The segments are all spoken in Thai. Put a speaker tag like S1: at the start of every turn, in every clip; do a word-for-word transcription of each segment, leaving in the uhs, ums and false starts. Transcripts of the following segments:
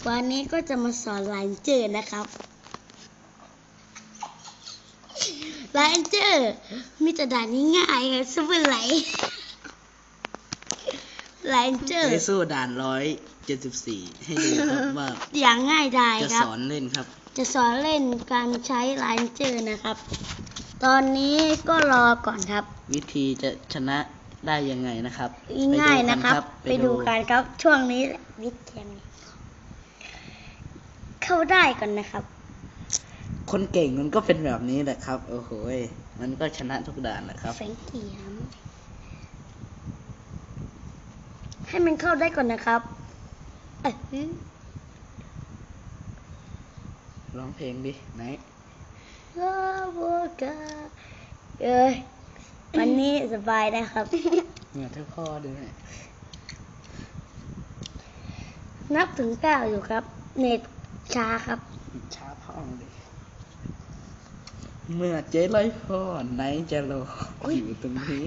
S1: วันนี้ก็จะมาสอนไลน์เจอร์นะครับไลน์เจอร์มีแต่ด่านง่ายๆครับสู้ไหลไลน์เจอร์
S2: ให้สู้ด่านร้อยเจ็ดสิบสี่ให้ดูครับว่า
S1: อย่างง่ายดาย
S2: จะ
S1: ครับ
S2: สอนเล่นครับ
S1: จะสอนเล่นการใช้ไลน์เจอร์นะครับ ตอนนี้ก็รอก่อนครับ
S2: วิธีจะชนะได้ยังไงนะครับ
S1: ง่ายนะครับ ไปดูกันครับช่วงนี้วิดแคมเข้าได้ก่อนนะครับ
S2: คนเก่งมันก็เป็นแบบนี้แหละครับโอ้โหมันก็ชนะทุกด่านแหละครับ
S1: แฝงเกียมให้มันเข้าได้ก่อนนะครับเอ้ย
S2: ร้องเพลงดิไหน
S1: ลาโวกาเอ้ยวันนี้สบายนะครับ
S2: เหมือนเท่าพ่อด้วย
S1: นับถึงเก้าอยู่ครับ เน็ตช้าครับ
S2: ช้าพ่องดิเมื่อเจ๊ร้อยพ่อไหนจะรออยู่ตรงนี้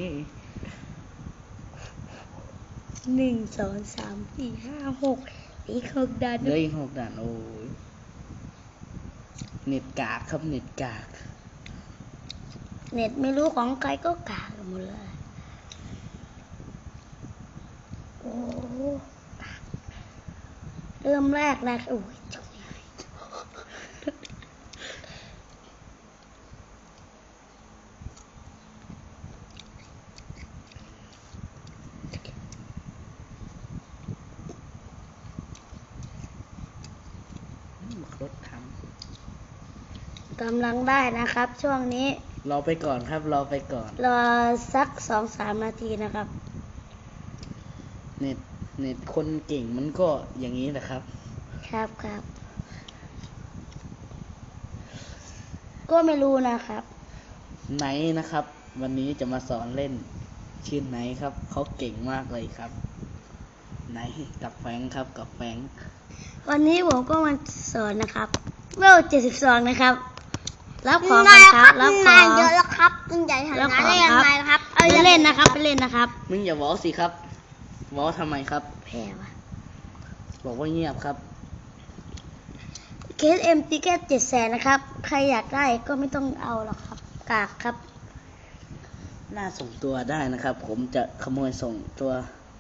S1: หนึ่งสองสามสี่ห้าหกอีกหกดาน
S2: เหลืออีกหกด่านโอ้ยเน็ตกากครับเน็ตกาก
S1: เน็ตไม่รู้ของใครก็กากหมดเลยโอ้เริ่มแรกนะโอ้ยจบง่าย
S2: รถท
S1: กำลังได้นะครับ ช่วงนี้
S2: ำรอไปก่อนครับรอไปก่อน
S1: รอสักสองสามนาทีนะครับ
S2: เน็ตเน็ตคนเก่งมันก็อย่างนี้แหละครับ
S1: ครับครับก็ไม่รู้นะครับ
S2: ไนท์นะครับ วันนี้จะมาสอนเล่นชื่อไนท์ครับเขาเก่งมากเลยครับไนท์กับแฟงครับกับแฟง
S1: วันนี้ผมก็มาสอนนะครับเวลเจ็ดสิบสองนะครับรับของก่อนครับรับของ
S3: เยอะแล้วครับคุณใหญ่ฐา
S1: รับ
S3: นะ
S1: ของ
S3: ได้ยัง
S1: ครับ
S3: ไงครับ
S1: เอาไปเล่นนะครับไปเล่นนะครับ
S2: มึงอย่าวอสิครับวอทำไมครับ
S1: แพ้วะ
S2: บอกว่าเงียบครับ
S1: เคสเอ็มติเกตเจ็ดแสนนะครับ ใครอยากได้ก็ไม่ต้องเอาหรอกครับ กากครับ
S2: น่าส่งตัวได้นะครับ ผมจะขโมยส่งตัว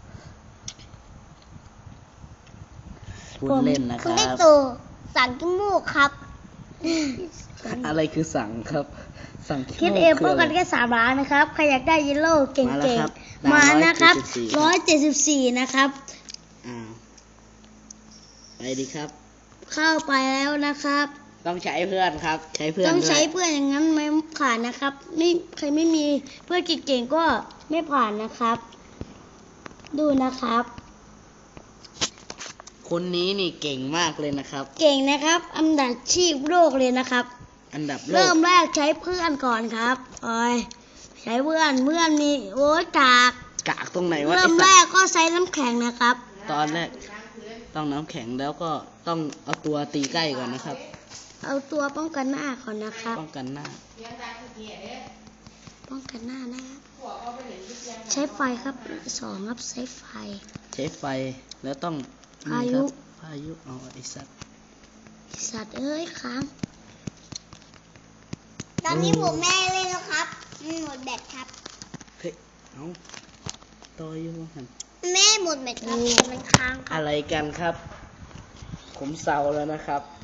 S2: คุณเล่นนะค
S3: คุณ
S2: รั
S3: ได้
S2: บ
S3: ตู่สั่งขี้มูกครับ
S2: อะไรคือสั่งครับ สั่ง
S1: คิดเอ็มป้องกันแค่สามล้านนะครับ ใครอยากได้เยลโล่เก่
S2: มาแล้ว
S1: ง
S2: ครับ
S1: ๆ มานะครับ
S2: ร้
S1: ร้
S2: อ
S1: อย ย
S2: เจ็
S1: เจ็
S2: ด
S1: ด
S2: สิ
S1: สิ
S2: บบ สี่
S1: สี่นะครับ
S2: อ่าไปดีครับ
S1: เข้าไปแล้วนะครับ
S2: ต้องใช้เพื่อนครับ ใช้เพื่อน
S1: ต้องใช้
S2: ด้วย
S1: เพื่อนอย่างนั้นไม่ผ่านนะครับไม่ใครไม่มีเพื่อนเก่งๆก็ไม่ผ่านนะครับ ดูนะครับ
S2: คนนี้นี่เก่งมากเลยนะครับ
S1: เก่งนะครับอันดับชีพโลกเลยนะครับ
S2: อันดับโล
S1: เริ่
S2: ก
S1: มแรกใช้เพื่อนก่อนครับโอ้ยใช้เพื่อนเพื่อนมีโอ้ยกาก
S2: กากตรงไหนวะ
S1: เริ่ม
S2: ไอ้
S1: แร
S2: สัต
S1: ก
S2: ว์
S1: ก็ใช้น้ำแข็งนะครับ
S2: ตอนแรกต้องน้ำแข็งแล้วก็ต้องเอาตัวตีใกล้ก่อนนะครับ
S1: เอาตัวป้องกันหน้าก่อนนะครับ
S2: ป้องกันหน้า
S1: ป้องกันหน้านะครับใช้ไฟครับสองครับใช้ไฟ
S2: ใช้ไฟแล้วต้อง
S1: พายุ
S2: นี่ครับพายุเอาไอ้สัตว์
S1: สัตว์เอ้ยค้าง
S3: ตอนนี้ผมแม่เล่นแล้วครับมันหมดแบตครับ
S2: เฮ้ยเอาต่ออยู่หัน
S3: แม่หมดแบตครับแต่มันค้างครับ
S2: อะไรกันครับ ผมเศร้าแล้วนะครับ